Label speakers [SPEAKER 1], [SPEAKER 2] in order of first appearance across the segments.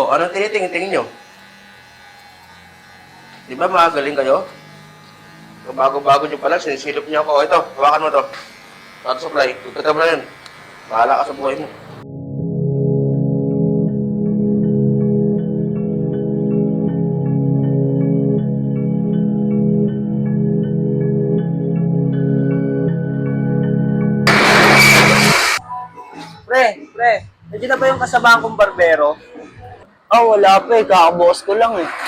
[SPEAKER 1] Oh, anong tinitingin nyo? Di ba magaling kayo? So, bago-bago nyo pa lang, sinisilip niyo ako. O, ito, hawakan mo to. Water supply. Tugtata mo na yun. Bahala ka sa buhay mo.
[SPEAKER 2] Pre, nandiyan na ba yung kasamahan kong barbero?
[SPEAKER 3] Wala pre, kakabukas ko lang eh.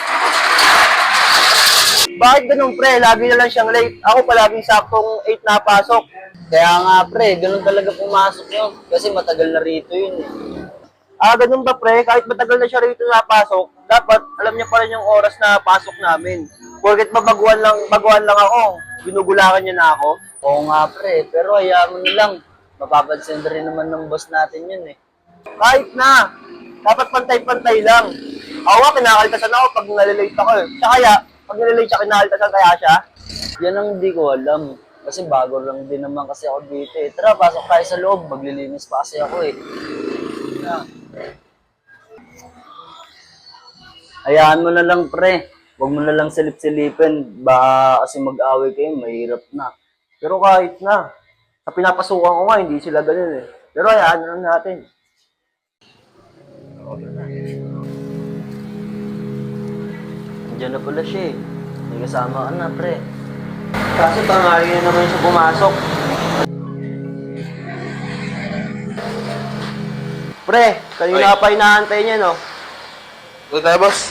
[SPEAKER 2] Bakit ganun pre? Lagi na lang siyang late. Ako palaging saktong 8 na pasok.
[SPEAKER 3] Kaya nga pre, ganun talaga pumasok yun. Kasi matagal na rito yun eh.
[SPEAKER 2] Ganun ba pre? Kahit matagal na siya rito napasok, dapat alam niya pa rin yung oras na pasok namin. Porket ba baguhan lang ako, ginugulakan niya na ako.
[SPEAKER 3] Oo nga pre, pero hayaan mo na lang. Mapapansin rin naman ng boss natin yun eh.
[SPEAKER 2] Kahit na, dapat pantay-pantay lang. Ako nga, kinakaltasan ako pag nalilate ako eh. Siya kaya, pag nalilate siya, kinakaltasan kaya siya?
[SPEAKER 3] Yan ang hindi ko alam. Kasi bago lang din naman kasi ako dito eh. Tara, pasok tayo sa loob. Maglilinis pa kasi ako eh. Hayaan mo na lang pre. Huwag mo na lang silip-silipin. Baka kasi mag-away kayo, mahirap na.
[SPEAKER 2] Pero kahit na, sa pinapasukan ko nga, hindi sila ganun eh. Pero hayaan na lang natin.
[SPEAKER 3] Diyan na pala siya eh. May kasama ka na pre.
[SPEAKER 2] Kaso tanghali na naman siya pumasok. Pre, kanina pa inaantay niya, no?
[SPEAKER 1] Doon tayo, boss.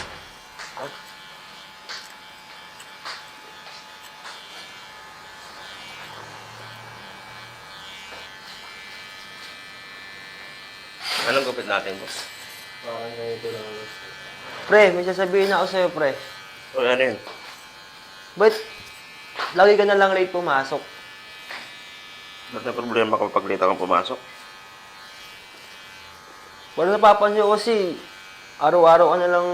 [SPEAKER 1] Anong gupit natin, boss?
[SPEAKER 2] Pre, may sasabihin ako sa'yo, pre.
[SPEAKER 1] O, ano yun?
[SPEAKER 2] Ba't lagi ka na lang late pumasok?
[SPEAKER 1] Ba't na problema kapag late akong pumasok?
[SPEAKER 2] Wala napapansin ko kasi araw-araw ka na lang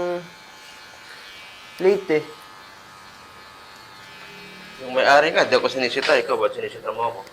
[SPEAKER 2] late eh.
[SPEAKER 1] Yung may-ari nga, di ako sinisita. Ikaw, ba't sinisita mo ako?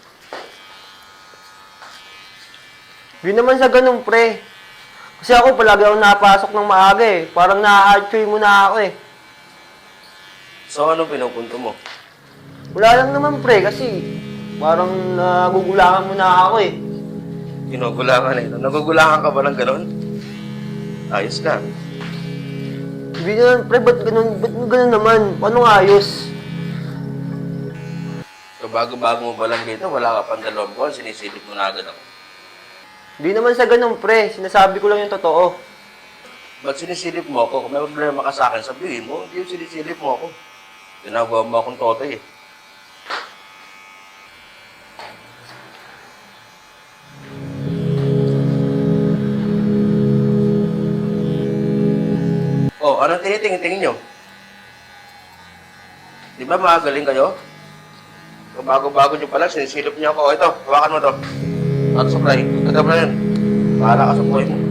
[SPEAKER 2] Di naman sa ganun, pre. Kasi ako palagi ako napasok ng maaga eh. Parang na-hard mo na ako eh.
[SPEAKER 1] So, anong pinupunto mo?
[SPEAKER 2] Wala lang naman, pre, kasi parang nagugulangan mo na ako eh.
[SPEAKER 1] Ginugulangan eh. Nagugulangan ka ba ng ganon? Ayos ka.
[SPEAKER 2] Hindi naman, pre, ba't ganun naman? Paano nga ayos?
[SPEAKER 1] So, bago-bago mo pa lang dito, wala ka pang 2 buwan, sinisilip mo na agad ako.
[SPEAKER 2] Hindi naman sa ganun, pre. Sinasabi ko lang yung totoo.
[SPEAKER 1] Ba't sinisilip mo ako? Kung may problema ka sa akin, sabihin mo, hindi yung sinisilip mo ako. Ginagawa mo akong totoy eh. Oh, anong tinitingin nyo? Di ba magaling kayo? So, bago-bago nyo pa lang, sinisilip niyo ako. O, ito, hawakan mo to. Water supply. Tugtata mo na yun. Bahala ka sa buhay mo.